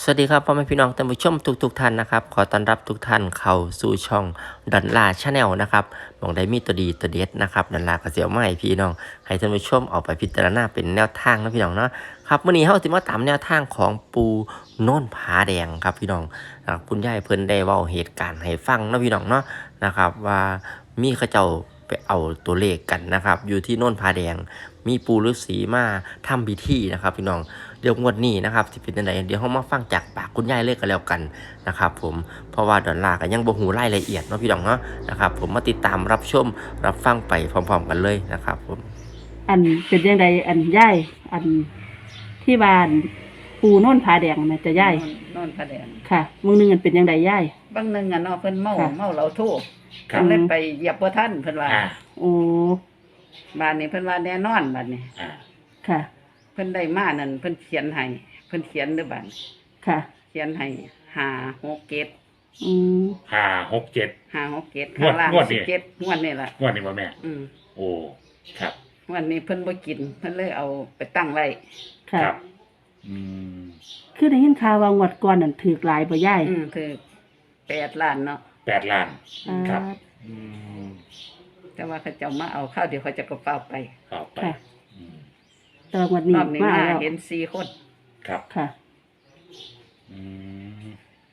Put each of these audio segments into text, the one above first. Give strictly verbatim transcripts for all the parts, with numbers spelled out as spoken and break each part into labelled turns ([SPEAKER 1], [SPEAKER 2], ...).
[SPEAKER 1] สวัสดีครับพ่อแม่พี่น้องท่านผู้ชมทุกทุกท่านนะครับขอต้อนรับทุกท่านเข้าสู่ช่องดอนล่าชาแนลนะครับมองได้มีตัวดีตัวเด็ดนะครับดอนล่าก็เสียวมาให้พี่น้องให้ท่านผู้ชมเอาไปพิจารณาเป็นแนวทางนะพี่น้องเนาะครับวันนี้เฮาสิมาตามแนวทางของปูโน่นผาแดงครับพี่น้องคุณยายเพิ่นได้เว้าเหตุการณ์ให้ฟังนะพี่น้องเนาะนะครับว่ามีเขาเจ้าไปเอาตัวเลขกันนะครับอยู่ที่โน่นผาแดงมีปูฤาษีมาทำพิธีนะครับพี่น้องเดี๋ยวงวดนี้นะครับที่เป็นยังไงเดี๋ยวเรามาฟังจากปากคุณยายเลยกันแล้วกันนะครับผมเพราะว่าดอนลาก็ยังบ่ฮู้รายละเอียดเนาะพี่น้องเนาะนะครับผมมาติดตามรับชมรับฟังไปพร้อมๆกันเลยนะครับผม
[SPEAKER 2] อันเป็นยังไงอันย่ายอันที่บ้านปูโน่นผาแดงแม่จะย่าย
[SPEAKER 3] โน่นผาแดง
[SPEAKER 2] ค่ะมึงนึงอันเป็นยังไงย่าย
[SPEAKER 3] บางนึงอ่ะเนาะเพิ่นเมาเมาเหล้าโท
[SPEAKER 2] ก็
[SPEAKER 3] เลยไปเหยียบบ่ทันเพิ่นว่า
[SPEAKER 2] โอ้
[SPEAKER 3] บ้านนี้เพิ่นว่าแน่นอนบัดนี้
[SPEAKER 2] ค่ะ
[SPEAKER 3] เพิ่นได้มานั่นเพิ่นเขียนให้เพิ่นเขียนเด้อบัด
[SPEAKER 2] ค่ะ
[SPEAKER 3] เขียนให้ห้า หก เจ็ด
[SPEAKER 2] อืม
[SPEAKER 4] ห้า หก เจ็ด
[SPEAKER 3] ห้า หก เจ็ดข้างล่างสิบเจ็ดงวดนี่ล่ะ
[SPEAKER 4] งวดนี้บ่แม่
[SPEAKER 3] อืม
[SPEAKER 4] โอ้ครับ
[SPEAKER 3] งวดนี้เพิ่นบ่กินเพิ่นเลยเอาไปตั้งไว้
[SPEAKER 2] ค่ะ
[SPEAKER 4] อืม
[SPEAKER 2] คือได้ยินข่าวว่างวดก่อนนั่นถูกหลายบ่ย่าย
[SPEAKER 3] อืมคือแปดล้านเนาะ
[SPEAKER 4] แปดล้านครับอืม
[SPEAKER 3] แต่ว่าเขาเจ้ามาเอาข้าวเดี๋ยวเขาจะก็เฝ้าไป
[SPEAKER 4] เฝ้าไป
[SPEAKER 2] ตอนวันนี้
[SPEAKER 3] มาแล้วเห็นสี่คน
[SPEAKER 4] ครับ
[SPEAKER 2] ค่ะ
[SPEAKER 4] อืม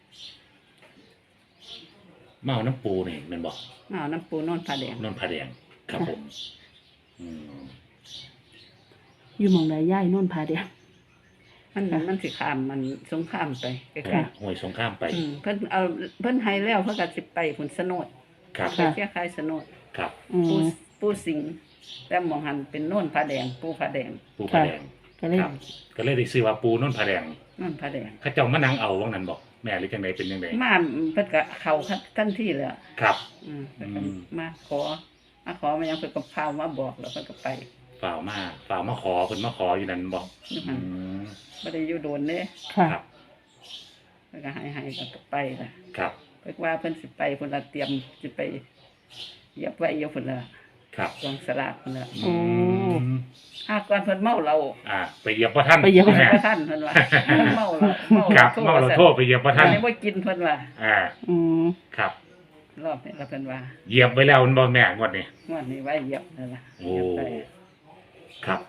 [SPEAKER 4] เมาน้ำปูนี่แม่นบ่
[SPEAKER 3] เมาน้ำปูโน่นผาแดง
[SPEAKER 4] โน่นผาแดงครับผมอืม
[SPEAKER 2] อยู่หม่องใดย่ายโน่นผาแดง
[SPEAKER 3] มันมันสิข้ามมันสงครามไปใกล้
[SPEAKER 4] ๆห้วยสงครามไป
[SPEAKER 3] เพิ่นเอาเพิ่นให้แล้วเพิ่นก็สิไปผุนสนด
[SPEAKER 4] ครับ
[SPEAKER 3] ไปเที่ยวคายสนด
[SPEAKER 4] ครับ
[SPEAKER 3] ปูปูสิงแต่หม่องหันเป็นโน่นผาแดงปูผาแดง
[SPEAKER 4] ปูผาแดง
[SPEAKER 2] ก็เลย
[SPEAKER 4] ก็เลยได้ชื่อว่าปูโน่นผาแดง
[SPEAKER 3] โน่นผาแดง
[SPEAKER 4] เขาเจ้ามานั่งเอาว่างั้นบ่แม่หรือจังไดเป็นจังได
[SPEAKER 3] มาเพิ่นก็เข้าทันทีเลย
[SPEAKER 4] ครับ
[SPEAKER 3] อืมมาขอมาขอมายังเพิ่นก็พามาบอกแล้วเพิ่นก็ไป
[SPEAKER 4] ฝ่าวมาฝ่าวมาขอเพิ่นมาขออยู่นั่นบ่อืม
[SPEAKER 3] บ่ได้อยู่โดนเด้
[SPEAKER 4] ครับ
[SPEAKER 3] เพิ่นก็ให้ๆก็ไปล่ะ
[SPEAKER 4] ครับ
[SPEAKER 3] เพิ่นว่าเพิ่นสิไปเพิ่นละเตรียมสิไปเหยียบไว้อยู่เพิ่นล่ะ
[SPEAKER 4] ครับ
[SPEAKER 3] กองสลากเพิ่นล่ะ
[SPEAKER 2] โอ้
[SPEAKER 3] หากก่อนเพิ่นเมาเรา
[SPEAKER 4] อ่าไปเหยียบบ่ทัน
[SPEAKER 2] ไปเหยียบบ่
[SPEAKER 3] ทันเพิ่นว่าเมาเราเมา
[SPEAKER 4] ครับเมาเราโทษไปเหยียบบ่ทัน
[SPEAKER 3] บ่กินเพิ่นว่า
[SPEAKER 4] อ่า
[SPEAKER 2] อืม
[SPEAKER 4] ครับ
[SPEAKER 3] รอบนี้แล้วเพิ่นว่า
[SPEAKER 4] เหยียบไว้แล้วมันบ่แม่งวดนี้
[SPEAKER 3] งวดนี้ไว้เหยียบนั่นล่ะ
[SPEAKER 4] โอ้ครับ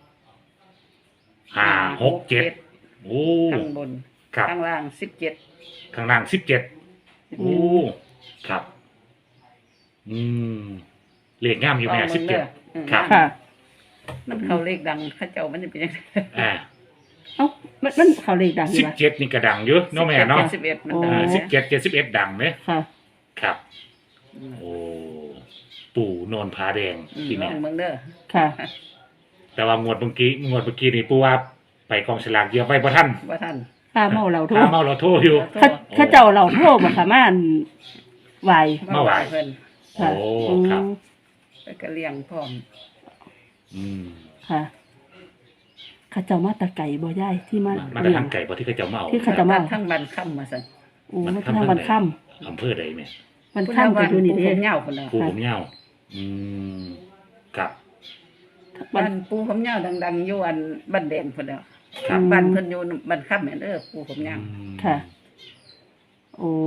[SPEAKER 4] ห้า หก เจ็ดโอ้
[SPEAKER 3] ข้างบนข้างล่างสิบเจ็ด
[SPEAKER 4] ข้างล่างสิบเจ็ดโอ้ครับอืมเลขงามอยู่แม่สิบเจ็ดครับ
[SPEAKER 3] มันเข้าเลขดังเขาเจ้ามันจะเป็นยังไง
[SPEAKER 4] อ่า
[SPEAKER 2] เอ้ามันมันเข้าเลขดัง
[SPEAKER 4] สิบเจ็ดนี่ก็ดังเยอะเนาะแม่เนาะ
[SPEAKER 3] สิบเอ็ดมัน
[SPEAKER 4] ดังสิบเจ็ด เจ็ดสิบเอ็ดดังไหม
[SPEAKER 2] ค่ะ
[SPEAKER 4] ครับโอ้ปู่โนนผาแดง
[SPEAKER 3] ที่แม่เมืองเด้อ
[SPEAKER 2] ค่ะ
[SPEAKER 4] แต่ว่างวดเมื่อกี้งวดเมื่อกี้นี่ปู่ว่าไปกองสลากเหยียบไว้บ่ทัน
[SPEAKER 3] บ่ทัน
[SPEAKER 2] ถ้าเมาเราโทษ
[SPEAKER 4] ถ้าเมาเราโทษอยู่
[SPEAKER 2] เขาเจ้าเราโทษบ่ค่ะมาอันไหว
[SPEAKER 4] เมาไหว
[SPEAKER 3] เพิ่น
[SPEAKER 4] โอ้ครับ
[SPEAKER 3] ไปกระเลี้ยงพร้อม
[SPEAKER 4] อืม
[SPEAKER 2] ค่ะเขาเจ้ามาตะไก่บ่ย่ายที่มา
[SPEAKER 4] มาทางไก่บ่ที่เขาเจ้าเมา
[SPEAKER 2] ที่เขาเจ้าเมา
[SPEAKER 3] ทั้งบ้านค่ำมาซั่น
[SPEAKER 2] โอ้มาทางบ้านค่ำ
[SPEAKER 4] อำเภอใดแม่
[SPEAKER 2] บ้านค่ำก็อยู่นี่เด้
[SPEAKER 3] ผมยาวพุ่นน่ะ
[SPEAKER 4] ปูผมยาวอืมครับ
[SPEAKER 3] บ้านปูผมยาวดังๆอยู่อันบ้านแดงพุ่นน่ะบ้านเพิ่นอยู่บ้านค่ำแม่นเด้อปูผมยาว
[SPEAKER 2] ค่ะโอ้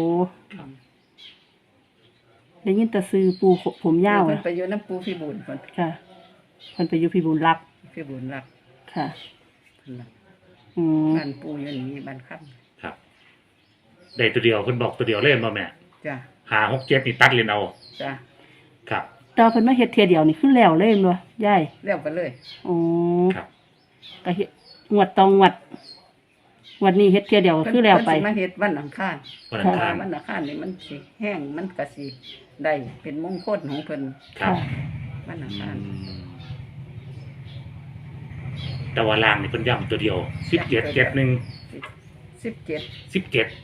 [SPEAKER 2] ได้ยินแต่ซื้อปูผมยาว
[SPEAKER 3] เพิ่นไปอยู่น้ำปูพี่บุญเพิ่น
[SPEAKER 2] ค่ะเพิ่นไปอยู่พี่บุญรัก
[SPEAKER 3] พี่บุญรัก
[SPEAKER 2] ค่ะ
[SPEAKER 3] อืมบ้านปูอยู่นี่บ้านค่ำ
[SPEAKER 4] ครับได้ตัวเดียวเพิ่นบอกตัวเดียวเล่นบ่แม่
[SPEAKER 3] จ้ะ
[SPEAKER 4] ห้า หก เจ็ดนี่ตัดเลยเอา
[SPEAKER 3] จ้ะ
[SPEAKER 4] ครับ
[SPEAKER 2] ตอนเพิ่นมาเฮ็ดเที่ยเดียวนี่คือแล้วเลยบ่ยาย
[SPEAKER 3] แล้วไปเลย
[SPEAKER 2] อ๋อ
[SPEAKER 4] ครับ
[SPEAKER 2] ก็เฮ็ดงวดตองงวดวันนี้เฮ็ดเที่ยเดียวคือแล้วไป
[SPEAKER 3] มาเฮ็ดวันอังคาร
[SPEAKER 4] วันอังคาร
[SPEAKER 3] วันอังคารนี่มันสิแห้งมันก็สิได้เป็นมงคลของเพิ่น
[SPEAKER 4] ครับ
[SPEAKER 3] วันอังคาร
[SPEAKER 4] แต่ว่าล่างนี่เพิ่นย้ำตัวเดียวสิบเจ็ด เจ็ดหนึ่ง
[SPEAKER 3] สิบเจ็ด
[SPEAKER 4] สิบเจ็ด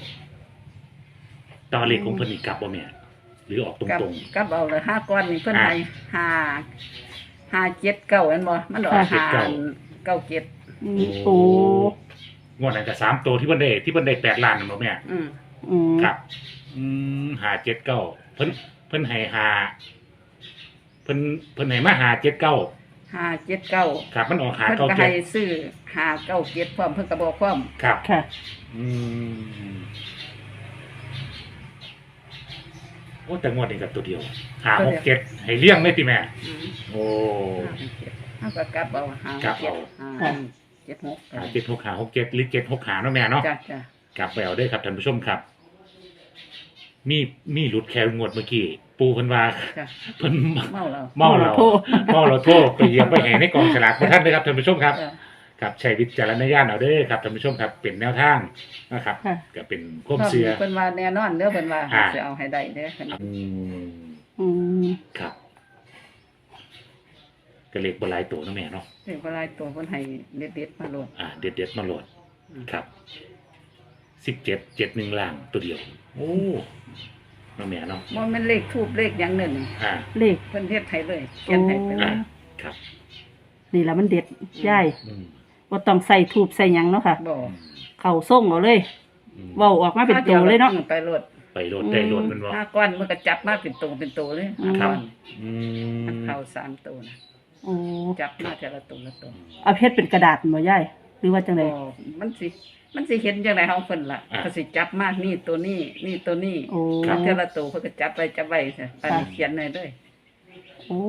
[SPEAKER 4] ตอนเลขของเพิ่นนี่กลับบ่แม่หรือออกตรง
[SPEAKER 3] ๆกลับเอาเลยห้าก้อนนี่เพิ่นให้ห้า ห้า เจ็ด เก้าแม่นบ่มันออกห้า เก้า เจ็ด
[SPEAKER 2] โอ้
[SPEAKER 4] งวดนั้นก็สามตัวที่เพิ่นได้ที่เพิ่นได้แปดล้านนั่นบ่แม่
[SPEAKER 3] อืม
[SPEAKER 2] อืม
[SPEAKER 4] ครับอืมห้า เจ็ด เก้าเพิ่นเพิ่นให้ห้าเพิ่นเพิ่นให้มาห้า เจ็ด เก้า
[SPEAKER 3] ห้าเจ็ดเก้า
[SPEAKER 4] ครับมันออกหา
[SPEAKER 3] เพิ่น
[SPEAKER 4] เก้า
[SPEAKER 3] ก็
[SPEAKER 4] เจ็
[SPEAKER 3] ให้
[SPEAKER 4] ด
[SPEAKER 3] ซื้อห้าเก้าเจ็ดพร้อมเพิ่นก็บอกพร้อม
[SPEAKER 4] ครับ
[SPEAKER 2] ค่ะ
[SPEAKER 4] อืมโอ้แต่งวดนี้กับตัวเดียวหาหกเจ็ดให้เลี่ยงเลยติแม่
[SPEAKER 3] อืม
[SPEAKER 4] โอ้
[SPEAKER 3] ห้าเจ็ดเฮาก็กลับเอาห้า
[SPEAKER 4] ครับ
[SPEAKER 3] เจ็ด
[SPEAKER 4] เอา
[SPEAKER 3] ห้าเจ็ดหก
[SPEAKER 4] หาเจ็ดหกหาหกเจ็ดหรือเจ็ดหกหาเนาะแม่เนาะ
[SPEAKER 3] จ้ะจ้ะ
[SPEAKER 4] กลับไปเอาได้ครับท่านผู้ชมครับ มีมีหลุดแควงวดเมื่อกี้ปูเพิ่นว่า
[SPEAKER 3] จ้ะ
[SPEAKER 4] เพิ่น
[SPEAKER 3] เมาแล้ว
[SPEAKER 4] เมาเรา
[SPEAKER 2] เมาเราโทษ
[SPEAKER 4] เมาเราโทษไปเหยียบไปแห่ในกองฉลากของท่านเลยครับท่านผู้ชมครับ
[SPEAKER 3] จ้ะ
[SPEAKER 4] ครับใช้วิจารณญาณเอาเด้อครับท่านผู้ชมครับเป็นแนวทางนะครับ
[SPEAKER 2] ค่ะ
[SPEAKER 4] ก็เป็นความเชื่อ
[SPEAKER 3] เพิ่นว่าแน่นอนเด้อเพิ่นว่า
[SPEAKER 4] อ่า
[SPEAKER 3] สิเอาให้ได้เด้อเพิ่น
[SPEAKER 4] อืม
[SPEAKER 2] อืม
[SPEAKER 4] ครับก็เล็กบหลายตัวเนาะแม่เนาะ
[SPEAKER 3] เรียกว่าหลายตัวเพิ่นให้เด็ดๆมาโลด
[SPEAKER 4] อ่า เด็ดเด็ดๆมาโหลด
[SPEAKER 3] อืม
[SPEAKER 4] ครับสิบเจ็ดเจ็ดหนึ่งล่างตัวเดียว โอ้เนาะแม่เนาะ
[SPEAKER 3] บ่แม่นเลขทูบเลขหยังนั่น
[SPEAKER 4] อ่า
[SPEAKER 2] เลข
[SPEAKER 3] เพิ่นเฮ็ดให้เลยเขียนให้ไปเล
[SPEAKER 4] อ่าย ครับ
[SPEAKER 2] นี่ละมันเด็ดย่าย
[SPEAKER 4] อืม
[SPEAKER 2] ว่าต้องใส่ทูบใส่หยังเนาะค่ะ
[SPEAKER 3] บ่
[SPEAKER 2] เข่าส่งเอาเลย
[SPEAKER 4] อืม
[SPEAKER 2] เว้าออกมาเป็นตัวเลยเนาะ
[SPEAKER 3] อืมไปโลด
[SPEAKER 4] ไปโหลดได้โหลดมันบ่
[SPEAKER 3] ห้าก้อนมันก็จับมาเป็นตัวเป็นตัวเลยห้า
[SPEAKER 4] ครั
[SPEAKER 3] ก้
[SPEAKER 4] บ
[SPEAKER 3] อน
[SPEAKER 4] อื
[SPEAKER 3] มัน
[SPEAKER 4] ม
[SPEAKER 3] เข้าสามตัวนะ
[SPEAKER 2] โอ้
[SPEAKER 3] จับมาแต่ละตัวละตัว
[SPEAKER 2] เอาเพชรเป็นกระดาษบ่ย่ายหรือว่าจังได๋
[SPEAKER 3] บ่มันสิมันสิเห็นจังไดเฮาเพิ่นล่ะเขาสิจับมานี่ตัวนี้นี่ตัวนี้
[SPEAKER 2] โอ้
[SPEAKER 3] จับแต่ละตัวเพิ่นก็จับไปจับไว้ซะปานนี้
[SPEAKER 2] ค่ะ
[SPEAKER 3] เขียนได้เลย
[SPEAKER 2] โอ้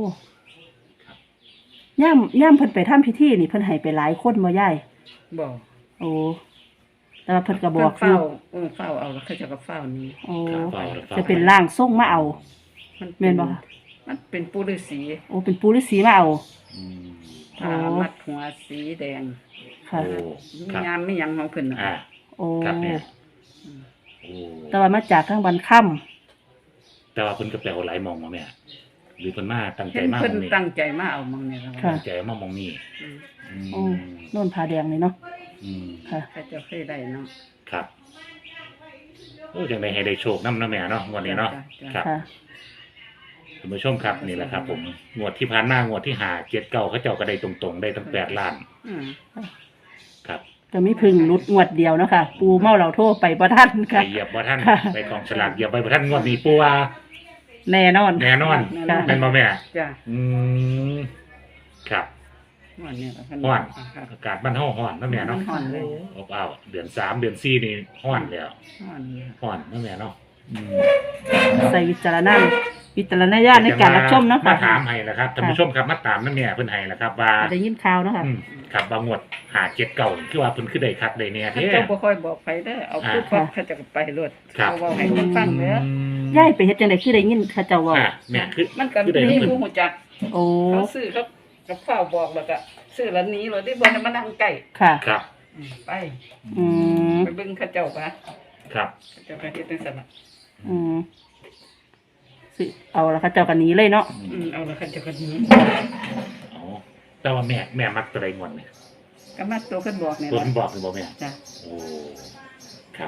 [SPEAKER 2] ย่ามย่ามเพิ่นไปทำพิธีนี่เพิ่นให้ไปหลายคนบ่ย่าย
[SPEAKER 3] บ่
[SPEAKER 2] โอ้แต่ว่าเพิ่นก็บ
[SPEAKER 3] เพิ่
[SPEAKER 2] อน กอ
[SPEAKER 3] เฝ้า
[SPEAKER 2] ยู่
[SPEAKER 3] เออเฝ้าเอาแล้วเขาเจะก็เฝ้านี้
[SPEAKER 2] โอ้
[SPEAKER 4] ครับเฝ้าแล้วเฝ้า
[SPEAKER 2] จะเป็นร่างทรงมาเอา
[SPEAKER 3] มัน
[SPEAKER 2] แม่นบ่คะ
[SPEAKER 3] มันเป็นปู่ฤาษี
[SPEAKER 2] โอ้เป็นปู่ฤาษีมาเอา
[SPEAKER 4] อืม
[SPEAKER 3] ผ้า
[SPEAKER 2] โอ้
[SPEAKER 3] มัดหัวสีแดง
[SPEAKER 2] ค่ะ
[SPEAKER 4] โอ้
[SPEAKER 3] มี
[SPEAKER 4] ครับ
[SPEAKER 3] งามมีหยังของเพิ่นน่ะ
[SPEAKER 4] อ่า
[SPEAKER 2] โอ้
[SPEAKER 4] ครับเนี่ย
[SPEAKER 3] อืม
[SPEAKER 4] โอ้
[SPEAKER 2] แต่ว่ามาจากทางบันค่ำ
[SPEAKER 4] แต่ว่าเพิ่นก็แปลว่าหลายมองมาแม่หรือเพิ่นมาตั้งใจ
[SPEAKER 3] เห็น
[SPEAKER 4] มา
[SPEAKER 3] เพิ่น
[SPEAKER 4] มองนี่
[SPEAKER 3] ตั้งใจมาเอามังเนี่ย
[SPEAKER 2] ค่ะ
[SPEAKER 4] ตั้งใจมามองนี่
[SPEAKER 3] อืม
[SPEAKER 4] อื
[SPEAKER 2] โอ้
[SPEAKER 4] ม
[SPEAKER 2] โน่นผาแดงนี่เนาะ
[SPEAKER 4] อืม
[SPEAKER 2] ค่ะ
[SPEAKER 3] เขาเจะเคยได้เนาะ
[SPEAKER 4] ครับโอ้จังไดให้ได้โชคนำเนาะแม่เนาะงวดนี้เนาะ
[SPEAKER 3] จ้ะ
[SPEAKER 4] ครับ
[SPEAKER 2] ค่ะ
[SPEAKER 4] ท่านผู้ชมครับนี่แหละครับ ผมงวดที่ผ่านมางวดที่หาเจ็ดเก้าเขาเจ้าก็ได้ตรงๆ ได้ตั้งแปดล้าน
[SPEAKER 3] อืม
[SPEAKER 4] ครับ
[SPEAKER 2] ก็มีพึ่งนุดงวดเดียวเนาะค่ะ ปูเมาเหล่าโทษไปบ่ทัน
[SPEAKER 4] ไป
[SPEAKER 2] ค่ะ
[SPEAKER 4] เหยียบว่าท่าน
[SPEAKER 2] ค่ะ
[SPEAKER 4] ไปกองฉลากเหยียบไปว่าท่านงวดนี้ปูว่า
[SPEAKER 2] แน่นอน
[SPEAKER 4] แน่นอน
[SPEAKER 2] ค่ะ
[SPEAKER 4] เป็นบ่แม่
[SPEAKER 3] จ้ะ
[SPEAKER 4] อืมครับ
[SPEAKER 3] วันนี้ล่ะเพิ่
[SPEAKER 4] ฮ้อน
[SPEAKER 3] ครับ
[SPEAKER 4] อากาศบ้านเฮาฮ้อนเนาะแม่เนาะ
[SPEAKER 3] ฮ้อนเลย
[SPEAKER 4] อบอ้าวเดือนสามเดือนสี่นี่ฮ้อนแล้ว
[SPEAKER 3] ฮ้อนเลย
[SPEAKER 4] ฮ้อนเนาะแม่เนาะอืม
[SPEAKER 2] ใส่วิจารณญาณวิจารณญาณในการรับชมเนาะ
[SPEAKER 4] มา
[SPEAKER 2] ค่ะ
[SPEAKER 4] ถามให้แล้วครับท่านผู้ชมครับมาตามนั่นแม่เพิ่นให้แล้วครับว่า
[SPEAKER 2] ได้ยินข่าวเนาะค่ะ
[SPEAKER 4] อืมครับบางงวดหาเจ็ดเก่าคือว่าเพิ่นคือได้คักได้แน่
[SPEAKER 3] เขา
[SPEAKER 4] แท้
[SPEAKER 3] เจ้าบ่ค่อยบอกไปเด้อเอา
[SPEAKER 4] อ่า
[SPEAKER 3] พูดพร้อมเขาเจะไปรวด
[SPEAKER 4] ครับ
[SPEAKER 3] เขาเว้าให้คนฟังเด้อ
[SPEAKER 2] ย้ายไปเฮ็ดจังได๋คือได้ยินเขาเจ้าเว้า
[SPEAKER 4] อ่ะแม่คือ
[SPEAKER 3] มันก็
[SPEAKER 4] คือได้
[SPEAKER 3] มี
[SPEAKER 4] เงิน
[SPEAKER 3] ผู้หูจัก
[SPEAKER 2] โอ้
[SPEAKER 3] เขาซื้อเขากับข้าวบอกแล้วก็ซื้อแล้วหนี้เลยได้บ่ได้มานั่งใกล้
[SPEAKER 2] ค่ะ
[SPEAKER 4] ครับ
[SPEAKER 3] อืมไป
[SPEAKER 2] อืม
[SPEAKER 3] ไปเบิ่งเขาเจ้าปะ
[SPEAKER 4] ครับ
[SPEAKER 3] เขาเจ้าก็เฮ็ดจังซั่นน่ะ
[SPEAKER 2] อืมสิเอาละเขาเจ้ากันนี้เลยเนาะ
[SPEAKER 3] อืมเอาแล้วเขาเจ้าก็หนี้
[SPEAKER 4] อ๋อแต่ว่าแม่แม่มักตัวใดงวดเนี่ย
[SPEAKER 3] ก็มาตัวเพิ่นบอกนี่
[SPEAKER 4] ตัว
[SPEAKER 3] ล่ะ
[SPEAKER 4] เพิ่นบอกคือบ่แม่
[SPEAKER 3] จ้ะ
[SPEAKER 4] โอ้ครับ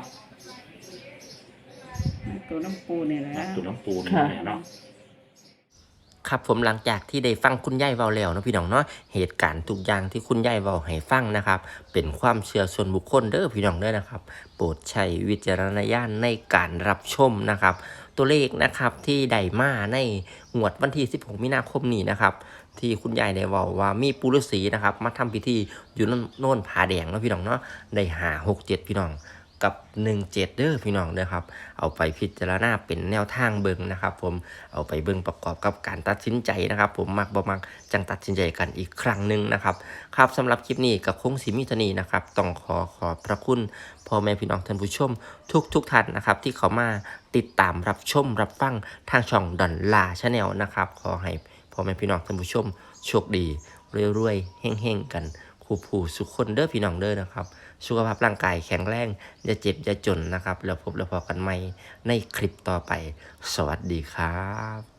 [SPEAKER 3] ตัวน้ำปูนี่แหละ
[SPEAKER 4] ตัวน้ำปูนี่
[SPEAKER 2] ค่ะ
[SPEAKER 4] แม่เนาะ
[SPEAKER 1] ครับผมหลังจากที่ได้ฟังคุณยายเว้าแล้วเนาะพี่น้องเนาะเหตุการณ์ทุกอย่างที่คุณยายเว้าให้ฟังนะครับเป็นความเชื่อส่วนบุคคลเด้อพี่น้องเด้อนะครับ โปรดใช้วิจารณญาณในการรับชมนะครับ ตัวเลขนะครับที่ได้มาในงวดวันที่สิบหกมีนาคมนี้นะครับ ที่คุณยายได้เว้าว่ามีปุรุษีนะครับมาทำพิธีอยู่โน่นผาแดงเนาะพี่น้องเนาะได้หาหกเจ็ดพี่น้องกับหนึ่งเจ็ดเด้อพี่น้องเด้อครับเอาไปพิจารณาเป็นแนวทางเบิ่งนะครับ ผมเอาไปเบิ่งประกอบกับการตัดสินใจนะครับ ผมมักบ่มักจังตัดสินใจกันอีกครั้งหนึ่งนะครับครับสำหรับคลิปนี้กับคงสิมีเท่านี้นะครับต้องขอขอบพระคุณพ่อแม่พี่น้องท่านผู้ชม ทุกทุกท่านนะครับที่เขามาติดตามรับชมรับฟังทางช่องดอนลาชาแนลนะครับขอให้พ่อแม่พี่น้องท่านผู้ชมโชคดีรวยๆเฮ่งๆกันคู่ผู้สุขคนเด้อพี่น้องเด้อนะครับสุขภาพร่างกายแข็งแรงอย่าเจ็บอย่าจนนะครับแล้วพบแล้วพอกันใหม่ในคลิปต่อไปสวัสดีครับ